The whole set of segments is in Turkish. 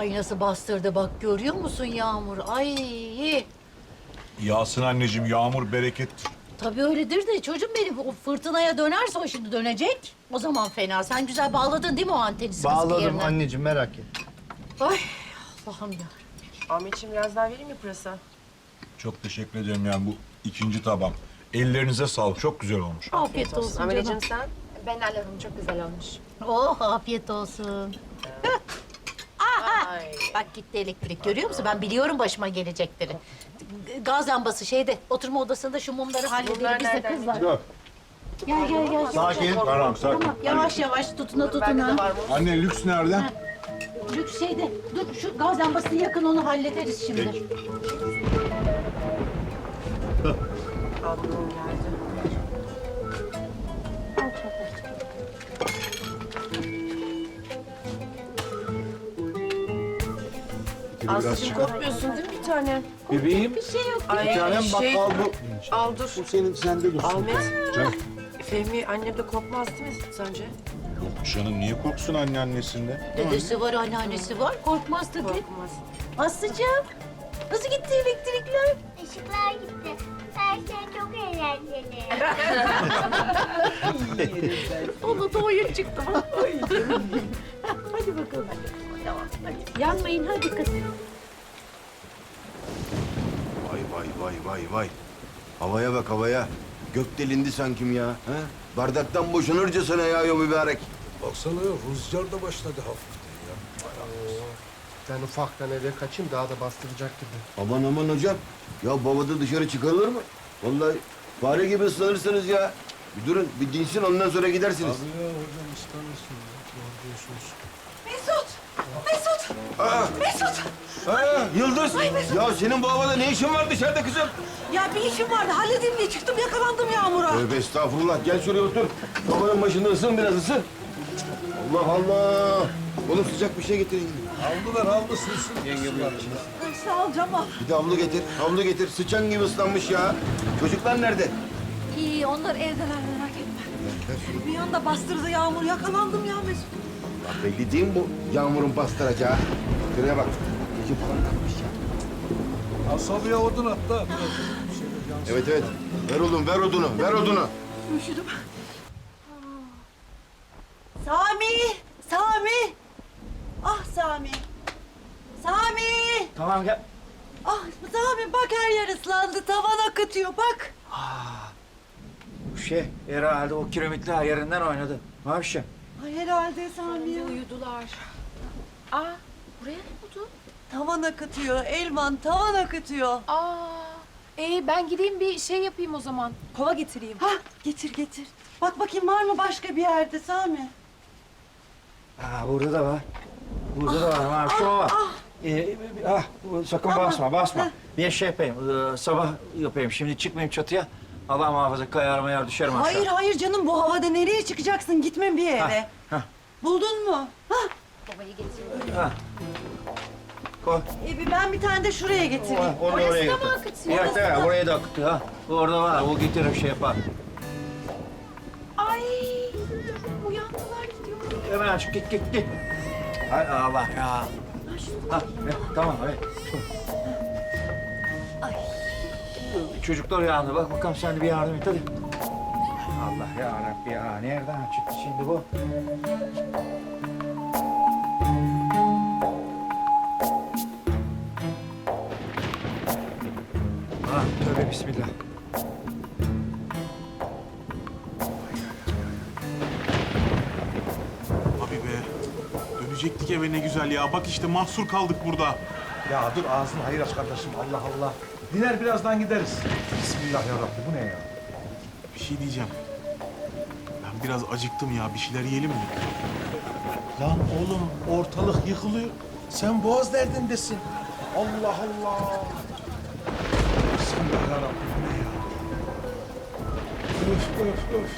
Ay nasıl bastırdı bak görüyor musun Yağmur? Ay. Yağsın anneciğim, yağmur berekettir. Tabii öyledir de çocuğum benim o fırtınaya dönerse o şimdi dönecek. O zaman fena. Sen güzel bağladın değil mi o anteni sıkı sıkı Bağladım yerine? anneciğim, merak et. Ay Allah'ım ya. Ahmetciğim biraz daha vereyim mi pırasa? Çok teşekkür ederim yani bu ikinci tabağım. Ellerinize sağlık, çok güzel olmuş. Afiyet olsun canım. Ameleciğim sen? Ben alırım, çok güzel olmuş. Oh afiyet olsun. Ay. Bak gitti elektrik görüyor musun? Ben biliyorum başıma gelecekleri. Gaz lambası şeyde oturma odasında şu mumları halledelim Bunlar biz de nereden kızlar. Dur. Gel gel gel. Sakin. Tamam, sakin. Tamam yavaş yavaş tutuna Bende de tutuna. var mı? Anne lüks nerede? Lüks şeyde dur şu gaz lambasını yakın onu hallederiz şimdi. Peki. Ablam geldi. Aslıcığım korkmuyorsun değil mi bir tane? Bebeğim. Bir şey yok. Ay Bir tanem bak al bu. Al dur. Bu senin sende dursun. Ahmet. Canım. Fehmi annem de korkmaz değil mi sence? Yok canım, niye korksun anne annesinde? Dedesi var, anneannesi var. Korkmaz tabii. Korkmaz. Aslıcığım, nasıl gitti elektrikler? Işıklar gitti. Her şey çok eğlenceli. Ona da oyun çıktı. Hadi bakalım. Tamam, hadi. Yanmayın, hadi kız. Vay vay vay vay vay. Havaya bak havaya. Gök delindi sankim ya. Ha? Bardaktan boşanırcasına yağıyor mübarek. Baksana rüzgar da başladı hafiften ya. Ben ufaktan eve kaçayım, daha da bastıracak gibi. Aman aman hocam. Ya babada dışarı çıkarılır mı? Vallahi fare gibi ıslanırsınız ya. Bir durun, bir dinsin ondan sonra gidersiniz. Abi ya hocam ıslanırsın ya. Doğru diyorsunuz. Mesut! Ha, Yıldız! Ya senin bu havada ne işin var dışarıda kızım? Ya bir işim vardı, halledeyim diye çıktım, yakalandım Yağmur'a. Tövbe estağfurullah. Gel şuraya otur. Babanın başında ısın biraz ısın. Allah Allah! Oğlum sıcak bir şey getirin. Aldılar aldı sılsın. Yenge Ay, sağ ol Cemal. Bir de havlu getir. Havlu getir. Sıçan gibi ıslanmış ya. Çocuklar nerede? İyi, onlar evdeler, merak etme. Bir anda bastırdı Yağmur, yakalandım ya Mesut. Ya belli değil mi bu yağmurun bastıracağı? Şuraya bak. Gece falan kalmış ya. Asabiye odun at da. Biraz bir şeyler yansın. Evet evet. Ver oğlum, ver odunu, ver odunu. Üşüdüm. Sami! Sami! Ah Sami! Sami! Tamam gel. Ah Sami bak her yer ıslandı, tavan akıtıyor bak. Bu herhalde o kiremitler yerinden oynadı. Mavişim. Ay herhalde Sami. Uyudular. Aa, buraya ne oldu? Tavan akıtıyor, Elvan tavan akıtıyor. Aa, ben gideyim bir şey yapayım o zaman. Kova getireyim. Ha getir getir. Bak bakayım var mı başka bir yerde Sami? Burada da var. Burada da var Maviş. Şu var. Sakın basma. Bir şey yapayım. Sabah yapayım. Şimdi çıkmayayım çatıya. Allah muhafaza kayar mayar düşerim aşağı. Hayır hayır canım bu havada nereye çıkacaksın? Gitme bir yere. hah. Buldun mu? Ha? Koy. Ben bir tane de şuraya getireyim. Onu da oraya götür. Evet, evet, oraya da akıtıyor ha. Orada var, o getirir şey yapar. Ay, uyandılar gidiyor. Hemen aç, git. Hay Allah ya. Tamam, evet. Çocuklar uyandı, bak bakalım sen de bir yardım et hadi. Allah ya Rabbi ya, nereden çıktı şimdi bu? Tövbe bismillah. Abi be. Dönecektik eve ne güzel ya. Bak işte mahsur kaldık burada. Ya dur ağzını hayır aç kardeşim. Allah Allah. Diner birazdan gideriz. Bismillah ya Rabbi bu ne ya? Bir şey diyeceğim. Ben biraz acıktım ya. Bir şeyler yiyelim mi? Lan oğlum ortalık yıkılıyor. Sen boğaz derdindesin. Allah Allah. Bismillah ya Rabbi bu ne ya? Öf.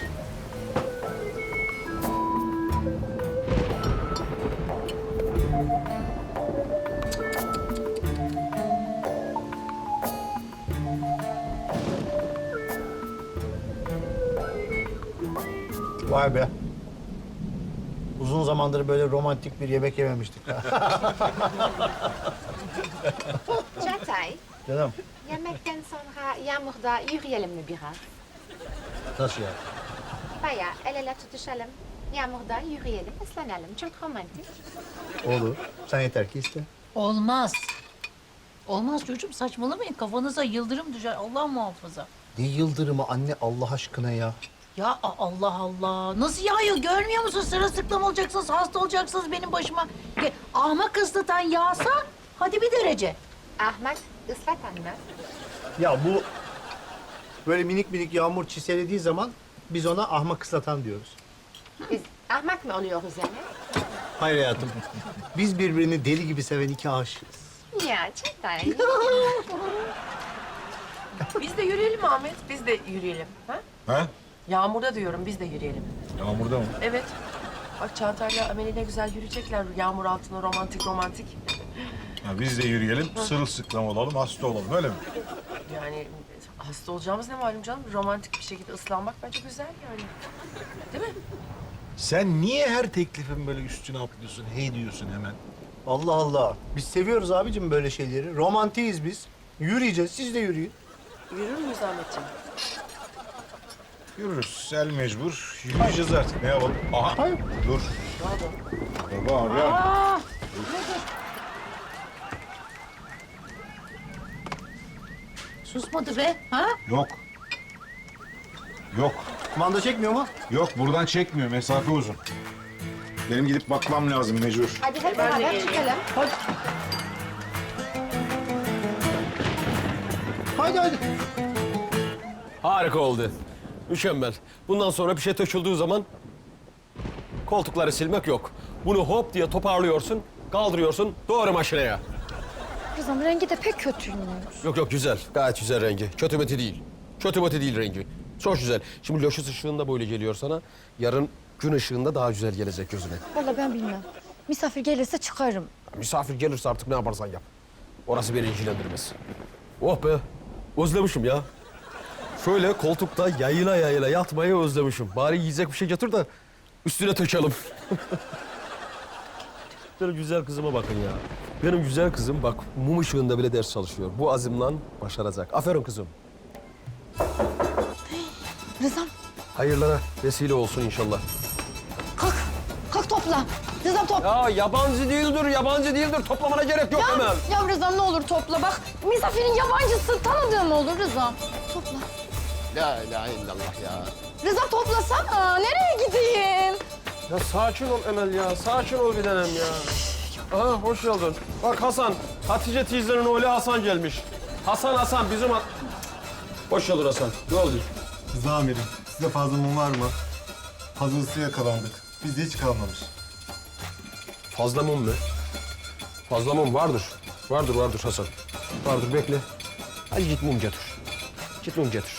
Vay be. Uzun zamandır böyle romantik bir yemek yememiştik. Çağatay, Canım, yemekten sonra yağmurda yürüyelim mi biraz? nasıl ya? Bayağı el ele tutuşalım, yağmurda yürüyelim, ıslanalım. Çok romantik. Olur. Sen yeter ki iste. Olmaz. Olmaz çocuğum, saçmalamayın. Kafanıza yıldırım düşer. Allah muhafaza. Ne yıldırımı anne Allah aşkına ya. Ya Allah Allah. Nasıl yağıyor görmüyor musun? Sırılsıklam olacaksınız, hasta olacaksınız benim başıma. Ahmak ıslatan yağsa hadi bir derece. Ahmak, ıslatan mı? Ya bu böyle minik minik yağmur çiselediği zaman biz ona ahmak ıslatan diyoruz. Biz ahmak mı oluyoruz yani? Hayır hayatım. Biz birbirini deli gibi seven iki aşığız. Ya Çağatay. Biz de yürüyelim Ahmet, biz de yürüyelim. Ha? Ha? Yağmurda diyorum, biz de yürüyelim. Yağmurda mı? Evet. Bak Çağatay'la Ameli ne güzel yürüyecekler yağmur altında romantik romantik. Ya biz de yürüyelim, sırılsıklam olalım, hasta olalım öyle mi? Yani hasta olacağımız ne malum canım? Romantik bir şekilde ıslanmak bence güzel yani. Değil mi? Sen niye her teklifin böyle üstüne atlıyorsun, hey diyorsun hemen? Allah Allah. Biz seviyoruz abicim böyle şeyleri. Romantiyiz biz. Yürüyeceğiz. Siz de yürüyün. Yürür müyüz Ahmetciğim? Yürürüz, el mecbur. Yürüyeceğiz artık, ne yapalım? Aha, Hayır. dur. Baba abi. Aa, susmadı be. Ha? Yok. Yok. Kumanda çekmiyor mu? Yok, buradan çekmiyor, mesafe uzun. Benim gidip bakmam lazım mecbur. Hadi hep beraber çıkalım. Haydi haydi. Harika oldu. Mükemmel. Bundan sonra bir şey töküldüğü zaman koltukları silmek yok. Bunu hop diye toparlıyorsun, kaldırıyorsun, doğru makineye. Kızım rengi de pek kötüymüş. Yok yok güzel. Gayet güzel rengi. Kötü mötü değil. Kötü mötü değil rengi. Çok güzel. Şimdi loşus ışığında böyle geliyor sana. Yarın gün ışığında daha güzel gelecek gözüne. Vallahi ben bilmem. Misafir gelirse çıkarım. Misafir gelirse artık ne yaparsan yap. Orası beni ilgilendirmez. Oh be. Özlemişim ya. Şöyle koltukta yayıla yayıla yatmayı özlemişim. Bari yiyecek bir şey getir de üstüne tökelim. Benim güzel kızıma bakın ya. Benim güzel kızım bak mum ışığında bile ders çalışıyor. Bu azimle başaracak. Aferin kızım. Rızam Hayırlara vesile olsun inşallah. kalk. Kalk topla. Rızam topla. Ya yabancı değildir, yabancı değildir. Toplamana gerek yok hemen. Ya Rızam ne olur topla bak. Misafirin yabancısı tanıdığım olur Rızam. Topla. La ilahe illallah ya. Rızam toplasana. Nereye gideyim? Ya sakin ol Emel ya. Sakin ol bir tanem ya. Aha hoş geldin. Bak Hasan, Hatice teyzenin oğlu Hasan gelmiş. Hasan bizim... Hoş geldin Hasan. Ne oldu? Rıza amirim, size fazla mum var mı? Fazlası yakalandık. Bizde hiç kalmamış. Fazla mum mu? Fazla mum vardır. Vardır Hasan. Vardır bekle. Hadi git mum getir. Git mum getir.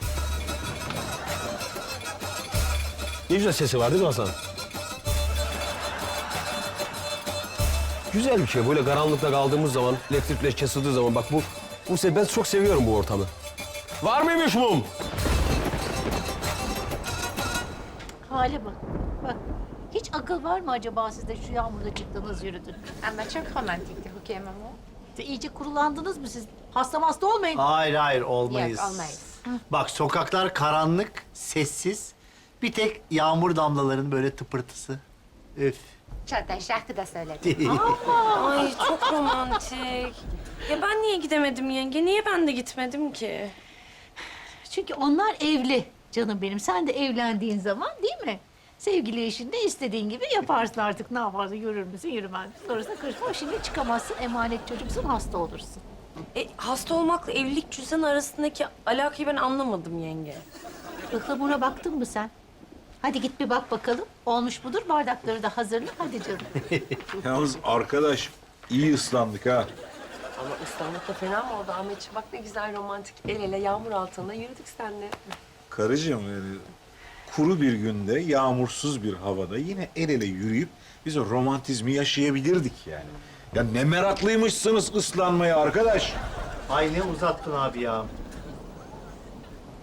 Ne güzel sesi var değil mi Hasan? Güzel bir şey. Böyle karanlıkta kaldığımız zaman, elektrikler kesildiği zaman bak bu ben çok seviyorum bu ortamı. Var mıymış mum? Hale bak. Bak. Hiç akıl var mı acaba sizde şu yağmurda çıktınız yürüdün? Ama çok romantikti Rukiye Mamo. İyice kurulandınız mı siz? Hasta olmayın. Hayır olmayız. Yok olmayız. Bak sokaklar karanlık, sessiz. Bir tek yağmur damlalarının böyle tıpırtısı. Üf. Çağatay şarkı da söyledi. Ay çok romantik. Ya ben niye gidemedim yenge? Niye ben de gitmedim ki? Çünkü onlar evli canım benim. Sen de evlendiğin zaman değil mi? Sevgili eşin de istediğin gibi yaparsın artık. Ne yaparsın? Yürür müsün, yürümez misin? Sonrasında karışma. Şimdi çıkamazsın. Emanet çocuksun, hasta olursun. Hasta olmakla evlilik cüzdan arasındaki alakayı ben anlamadım yenge. Ihlamura baktın mı sen? Hadi git bir bak bakalım. Olmuş budur. Bardakları da hazırla. Hadi canım. Yalnız arkadaş, iyi ıslandık ha. Ama ıslanmak da fena mı oldu Ahmetciğim? Bak ne güzel romantik el ele yağmur altında yürüdük seninle. Karıcığım, kuru bir günde, yağmursuz bir havada yine el ele yürüyüp biz o romantizmi yaşayabilirdik yani. Ya ne meraklıymışsınız ıslanmaya arkadaş. Ay ne uzattın abi ya.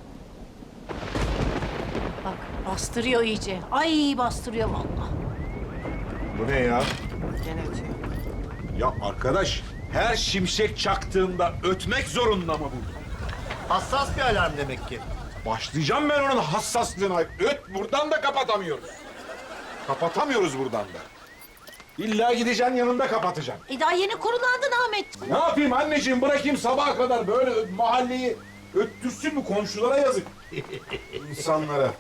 Bak bastırıyor iyice. Ay bastırıyor vallahi. Bu ne ya? Gene ötüyor. Ya arkadaş, her şimşek çaktığında ötmek zorunda mı bu? Hassas bir alarm demek ki. Başlayacağım ben onun hassaslığına. Öt, buradan da kapatamıyoruz. Kapatamıyoruz buradan da. İlla gideceksin yanında kapatacaksın. Daha yeni kurulandın Ahmet. Ne yapayım anneciğim, bırakayım sabaha kadar böyle mahalleyi öttürsün mü, komşulara yazık. İnsanlara.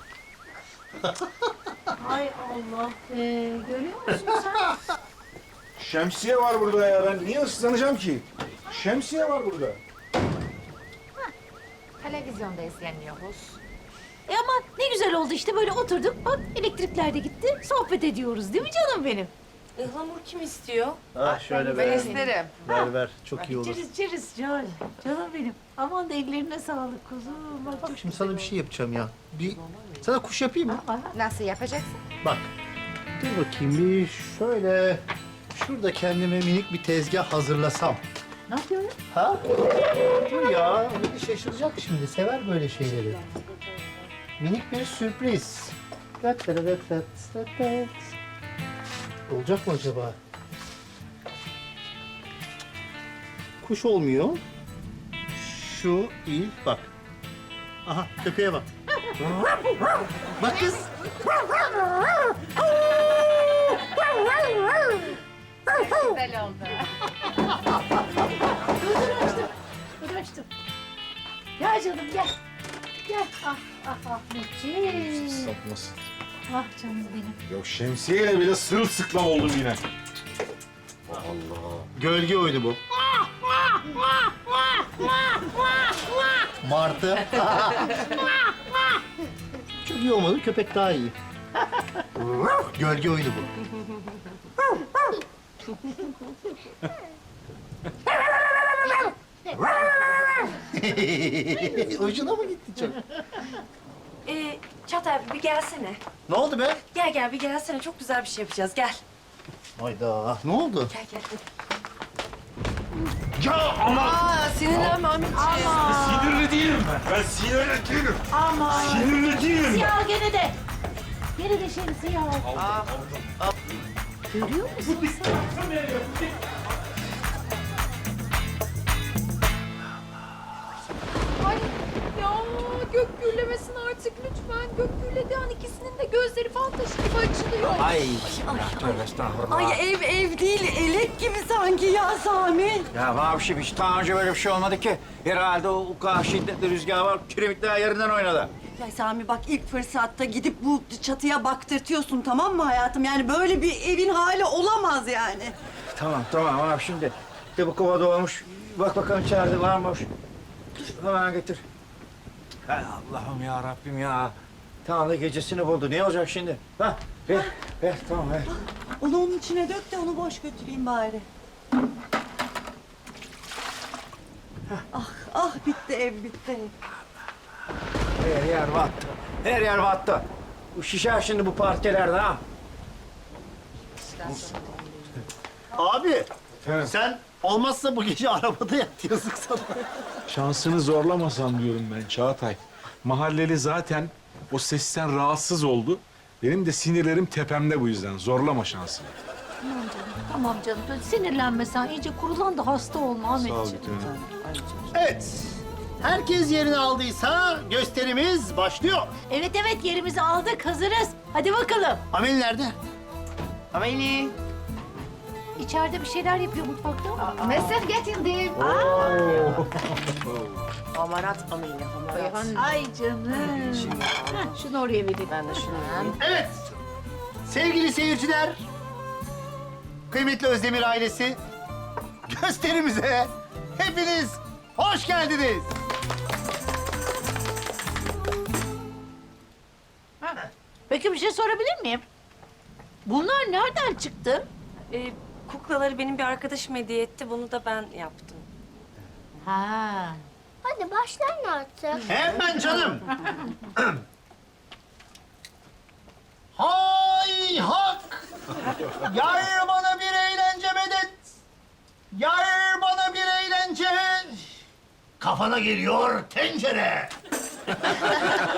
Ay Allah. Görüyor musun sen? Şemsiye var burada ya, ben niye ıslanacağım ki? Şemsiye var burada. Televizyonda izleniyoruz. Ama ne güzel oldu işte, böyle oturduk. Bak elektrikler de gitti. Sohbet ediyoruz değil mi canım benim? Ihlamur kim istiyor? Ha şöyle Ben ver. isterim. Ver çok iyi olur. İçeriz içeriz canım. Canım benim. Aman da ellerine sağlık kuzum. Bak, Şimdi sana bir şey yapacağım ya. Sana kuş yapayım mı? nasıl yapacaksın? Bak. Dur bakayım bir şöyle. Şurada kendime minik bir tezgah hazırlasam. Ne yapıyorsun? Ha? Dur ya. Bir şaşıracak şimdi. Sever böyle şeyleri. Minik bir sürpriz. Olacak mı acaba? Kuş olmuyor. Şu iyi. Bak. Aha köpeğe bak. Bak kız. Güzel oldu. Dur açtım. Gel canım gel. Gel. Ah Ahmetciğim. Sapmasın. Ah canım benim. Ya şemsiyeyle bile sırılsıklam oldum yine. Gölge oyunu bu. Martı. Çok iyi olmadı. Köpek daha iyi. Gölge oyunu bu. Ucuna mı gitti çok? Çağatay abi bir gelsene. Ne oldu be? Gel bir gelsene. Çok güzel bir şey yapacağız. Gel. Hayda. Ne oldu? Gel. Ya ama Aa sinirlenme Ahmetciğim. sinirli değilim ben. Ben sinirli değilim. Aman. Sinirli değilim ben. Siyah gene de. Gene de şemsiye al. Görüyor musun sen? Ay ya gök gürlemesin artık lütfen. Gök gürledi an ikisinin de gözleri fal taşı gibi açılıyor. Ay. Tövbe estağfurullah. Ay ev değil, elek gibi sanki ya Sami. Ya Mavişim hiç daha önce böyle bir şey olmadı ki. Herhalde o kadar şiddetli rüzgar var, kiremitler yerinden oynadı. Ya Sami bak ilk fırsatta gidip bu çatıya baktırtıyorsun tamam mı hayatım? Yani böyle bir evin hali olamaz yani. Tamam abi şimdi. De bu kova dolmuş. Bak bakalım içeride var mı? Hemen getir. Hay Allah'ım ya Rabbim ya. Tamam da gecesini buldu. Ne olacak şimdi? Ha? Ver tamam ver. Onu onun içine dök de onu boş götüreyim bari. Ah bitti ev bitti. Her yer battı. Bu şişer şimdi bu parkelerde ha. Abi. Efendim? Sen olmazsa bu gece arabada yat yazık sana. Şansını zorlamasan diyorum ben Çağatay. Mahalleli zaten o sesten rahatsız oldu. Benim de sinirlerim tepemde bu yüzden. Zorlama şansını. Tamam canım. Sinirlenme sen. İyice kurulan da hasta olma Ahmetciğim. Sağ ol bir tanem. Evet. Herkes yerini aldıysa gösterimiz başlıyor. Evet yerimizi aldık. Hazırız. Hadi bakalım. Amel nerede? Ameli. İçeride bir şeyler yapıyor mutfakta. Mesut getirdim. Hamarat Ameli. Hamarat. Ay canım. Heh, şunu oraya vereyim. Ben de şunu vereyim. Evet. Sevgili seyirciler, kıymetli Özdemir ailesi, gösterimize hepiniz hoş geldiniz. Peki bir şey sorabilir miyim? Bunlar nereden çıktı? Kuklaları benim bir arkadaşım hediye etti. Bunu da ben yaptım. Ha. Hadi başlayın artık. Hemen canım. Hay hak! Yar bana bir eğlence medet! Yar bana bir eğlence! Kafana geliyor tencere!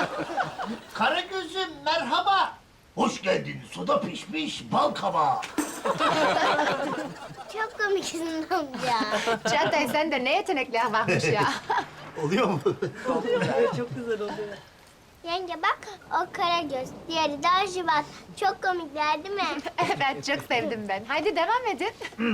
Karagöz'üm merhaba! Hoş geldin suda pişmiş bal kabağı! Çok komiksin amca. Çağatay sen de ne yetenekler varmış ya. Oluyor mu? Yenge bak o Karagöz, diğeri de Arjibat. Çok komikler değil mi? Evet çok sevdim ben. Haydi devam edin.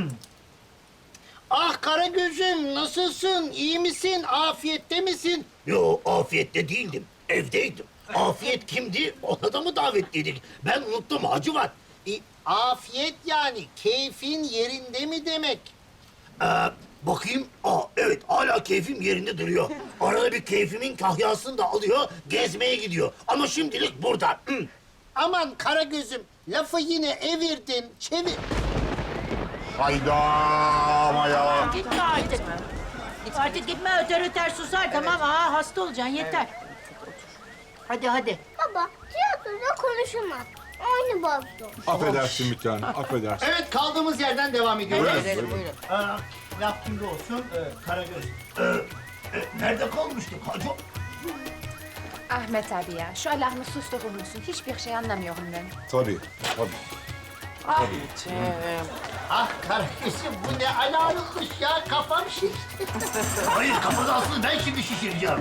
Ah Karagöz'üm nasılsın? İyi misin? Afiyette misin? Yo afiyette değildim. Evdeydim. Afiyet kimdi? Ona da mı davetliydik? Ben unuttum Hacivat. Afiyet yani keyfin yerinde mi demek? Bakayım. Evet hala keyfim yerinde duruyor. Arada bir keyfimin kahyasını da alıyor, gezmeye gidiyor. Ama şimdilik burada. Aman Karagöz'üm lafı yine evirdin, çevir. Hayda ama ya. Gitme artık. Artık gitme öter öter susar tamam. Hasta olacaksın yeter. Hadi hadi. Baba tiyatroda konuşamaz. Oyunu bozdu. Affedersin bir tane, affedersin. Evet kaldığımız yerden devam ediyoruz. Buyurun. Laf kimde olsun? Karagöz. Nerede kalmıştık Hacı? Ahmet abi ya şu Allah'ını susturur musun? Hiçbir şey anlamıyorum ben. Tabii, tabii. Ah Karagöz'üm bu ne alarmmış ya kafam şişti. Hayır kafada aslında ben şimdi şişireceğim.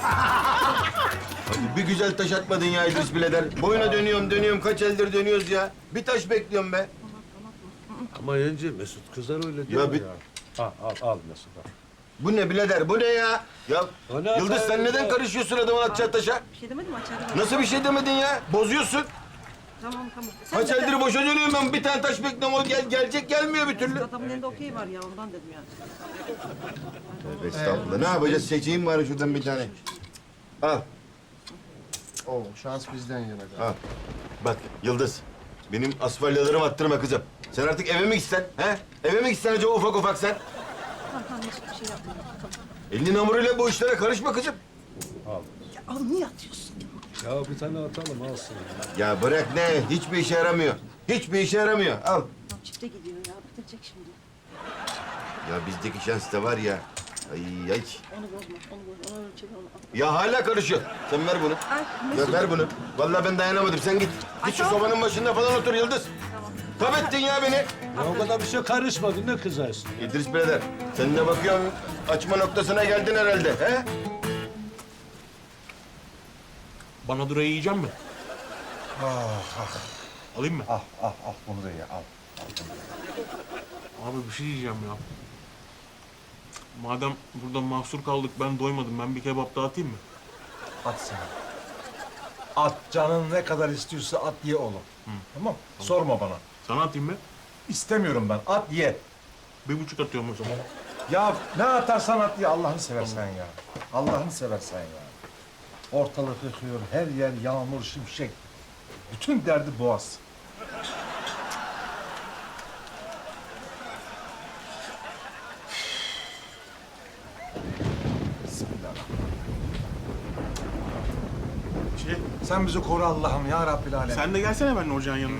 Hadi bir güzel taş atmadın ya İdris birader. Boyuna dönüyorum kaç eldir dönüyoruz ya. Bir taş bekliyorum be. Ama yenge Mesut kızar öyle diyor Ya bir- Al Mesut al. Bu ne birader bu ne ya? Ya O ne Yıldız efendim sen neden ya? karışıyorsun adamın atacağı taşa? Bir şey demedim açarım. Nasıl bir şey demedin ya? Bozuyorsun. Tamam. Kaç eldir boşa dönüyorum ben bir tane taş bekliyorum o gelecek gelmiyor bir türlü. Adamın elinde okey var ya ondan dedim yani. Tövbe estağfurullah. Ne yapacağız? Seçeyim bari şuradan bir tane. Al. Oo şans bizden yana. Al. Bak Yıldız. Benim asfalyalarımı attırma kızım. Sen artık eve mi gitsen? He? Eve mi gitsen acaba ufak sen? Tamam bir şey yapma. Elinin hamuruyla bu işlere karışma kızım. Al niye atıyorsun? Ya bir tane atalım alsın. Ya bırak ne? Hiçbir işe yaramıyor. Hiçbir işe yaramıyor. Al. Çifte gidiyor ya bitirecek şimdi. Ya bizdeki şans da var ya. Ay. Onu bozma onu ölçelim onu. Ya hala karışıyor. Sen ver bunu. Ver bunu. Vallahi ben dayanamadım. Sen git. Git şu sobanın başında falan otur Yıldız. Tamam. Tabii ettin ya beni. Ya o kadar bir şey karışmadı ne kızarsın? İdris birader, sen de bakıyorum açma noktasına geldin herhalde. He? Bana durayı yiyecek mi? Alayım mı? Al bunu da ye al. Abi bir şey diyeceğim ya. Madem burada mahsur kaldık ben doymadım. Ben bir kebap daha atayım mı? At sen. At canın ne kadar istiyorsa at ye oğlum. Tamam. Sorma bana. Sana atayım mı? İstemiyorum ben. At ye. 1,5 atıyorum o zaman. Ya ne atarsan at ye Allah'ını seversen ya. Allah'ını seversen ya. Ortalık yıkıyor, her yer yağmur, şimşek. Bütün derdi boğaz. Bismillahirrahmanirrahim. Sen bizi koru Allah'ım ya Rabbil Alem. Sen de gelsene benimle ocağın yanına.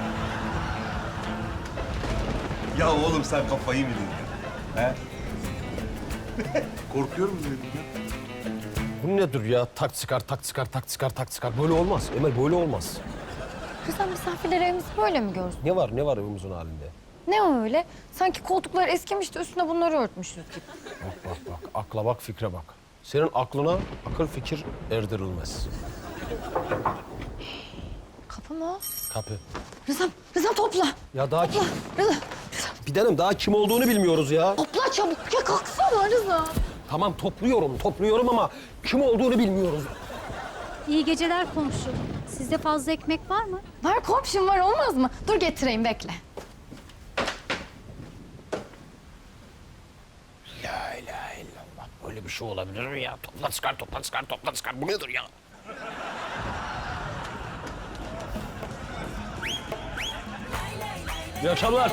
Ya oğlum sen kafayı mı yedin ya? He? Korkuyorum dedim ya. Bu nedir ya? Tak çıkar, tak çıkar, tak çıkar, tak çıkar. Böyle olmaz. Emel böyle olmaz. Kızım misafirler evimizi böyle mi görsün? Ne var evimizin halinde? Ne öyle? Sanki koltuklar eskimiş de üstüne bunları örtmüşüz gibi. Bak. Akla bak, fikre bak. Senin aklına akıl fikir erdirilmez. Kapı mı o? Kapı. Rızam topla. Ya daha Topla. Rıza. bir tanem daha kim olduğunu bilmiyoruz ya. Topla çabuk. Ya kalksana Rıza. Tamam topluyorum ama kim olduğunu bilmiyoruz. İyi geceler komşu. Sizde fazla ekmek var mı? Var komşum var olmaz mı? Dur getireyim bekle. La ilahe illallah. Böyle bir şey olabilir mi ya? Topla çıkar. Bu nedir ya? İyi akşamlar.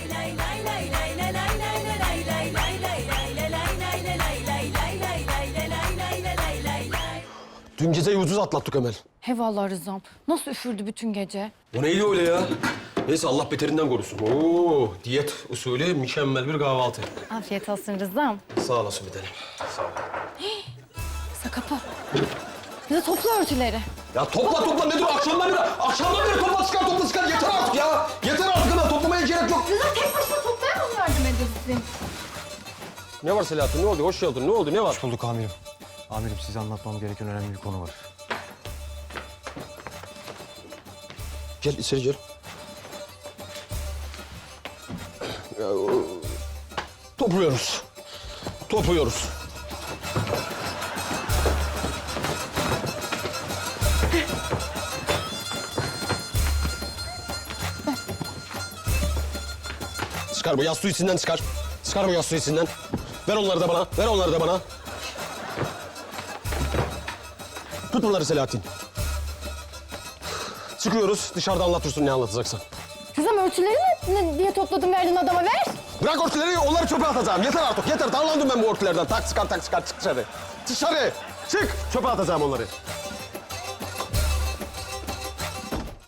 Dün geceyi ucuz atlattık Emel. He vallahi Rızam. Nasıl üfürdü bütün gece? O neydi öyle ya? Neyse Allah beterinden korusun. Oo, diyet usulü mükemmel bir kahvaltı. Afiyet olsun Rızam. Sağ olasın bir tanem. Sağ ol. Rıza kapı. Rıza topla örtüleri. Ya topla nedir? Akşamdan beri topla çıkar. Yeter artık ya. Yeter artık Emel. Toplamaya gerek Ne var Selahattin? Ne oldu? Hoş geldin. Ne oldu? Ne var? Hoş bulduk amirim. Amirim size anlatmam gereken önemli bir konu var. Gel içeri gel. Ya, topluyoruz. Topluyoruz. Çıkar bu yastığı içinden çıkar. Çıkar bu yastığı içinden. Ver onları da bana. Ver onları da bana. Tut bunları Selahattin. Çıkıyoruz. Dışarıda anlatırsın ne anlatacaksan. Kızım örtüleri ne diye topladın verdin adama ver. Bırak örtüleri, onları çöpe atacağım. Yeter artık, yeter. Darlandım ben bu örtülerden. Tak çıkar, çık dışarı. Dışarı! Çık! Çöpe atacağım onları.